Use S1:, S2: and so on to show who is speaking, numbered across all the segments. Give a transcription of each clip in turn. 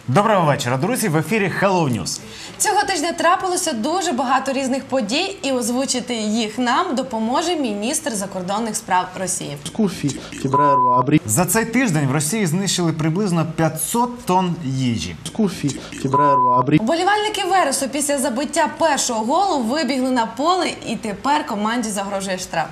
S1: Доброго вечора, друзі! В ефірі Hello News.
S2: Цього тижня трапилося дуже багато різних подій, і озвучити їх нам допоможе міністр закордонних справ Росії.
S1: За цей тиждень в Росії знищили приблизно 500 тонн їжі.
S2: Вболівальники Вересу після забиття першого голу вибігли на поле, і тепер команді загрожує штраф.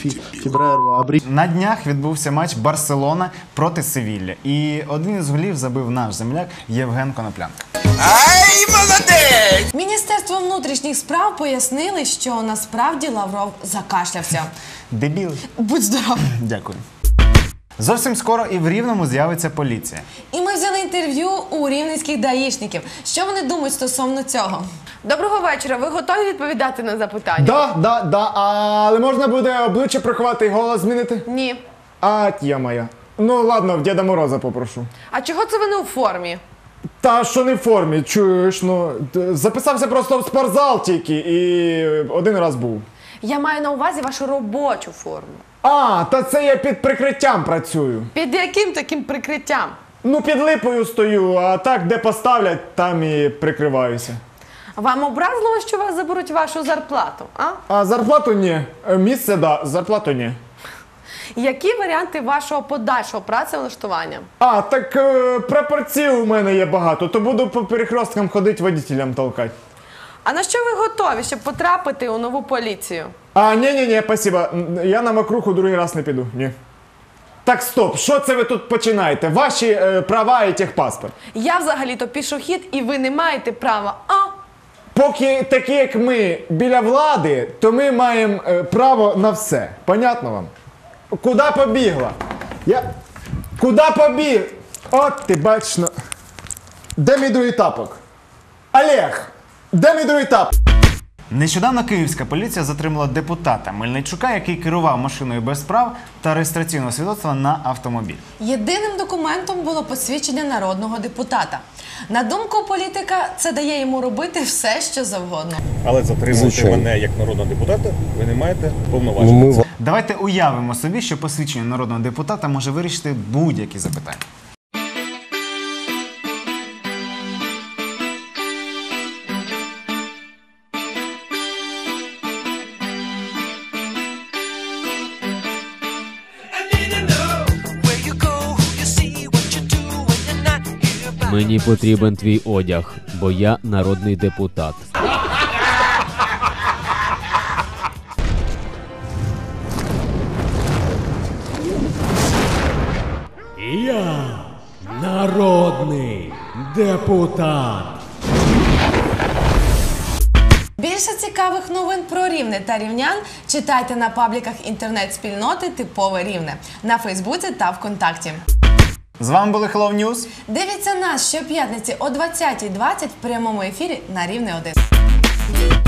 S1: На днях відбувся матч Барселона проти Севілля. І один із голів забив наш земляк Євген Коноплянка.
S3: Ай, молодець!
S2: Міністерство внутрішніх справ пояснили, що насправді Лавров закашлявся.
S1: Дебіл.
S2: Будь здоров.
S1: Дякую. Зовсім скоро і в Рівному з'явиться поліція.
S2: І ми взяли інтерв'ю у рівненських даїшників. Що вони думають стосовно цього?
S4: Доброго вечора. Ви готові відповідати на запитання?
S5: Да. Але можна буде обличчя приховати і голос змінити?
S4: Ні.
S5: Я моя. Ну ладно, в Діда Мороза попрошу.
S4: А чого це ви не у формі?
S5: Та що не в формі, чуєш, записався просто в спортзал тільки і один раз був.
S4: Я маю на увазі вашу робочу форму.
S5: Та це я під прикриттям працюю.
S4: Під яким таким прикриттям?
S5: Під липою стою, а так, де поставлять, там і прикриваюся.
S4: Вам образливо, що вас заберуть вашу зарплату, а?
S5: А зарплату ні. Місце, да, зарплату ні.
S4: Які варіанти вашого подальшого працевлаштування?
S5: Прапорців у мене є багато, то буду по перехресткам ходити, водителям толкати.
S4: А на що ви готові, щоб потрапити у нову поліцію?
S5: Ні, спасибо. Я на мокруху другий раз не піду, ні. Так, стоп, що це ви тут починаєте? Ваші права і техпаспорт.
S4: Я взагалі-то пішохід, і ви не маєте права,
S5: Поки такі, як ми, біля влади, то ми маємо право на все. Понятно вам? Куди побігла? Куди побіг? От ти бачиш, Де мій другий тапок? Олег, де мій другий тапок?
S1: Нещодавно київська поліція затримала депутата Мельничука, який керував машиною без прав та реєстраційного свідоцтва на автомобіль.
S2: Єдиним документом було посвідчення народного депутата. На думку політика, це дає йому робити все, що завгодно.
S6: Але затримувати мене як народного депутата ви не маєте повноважень.
S1: Давайте уявимо собі, що посвідчення народного депутата може вирішити будь-які запитання.
S7: Мені потрібен твій одяг, бо я народний депутат.
S8: Я народний депутат.
S2: Більше цікавих новин про Рівне та рівнян читайте на пабліках інтернет-спільноти «Типове Рівне» на Фейсбуці та ВКонтакті.
S1: З вами були Hello News.
S2: Дивіться нас щоп'ятниці о 20:20 в прямому ефірі на Рівне 1.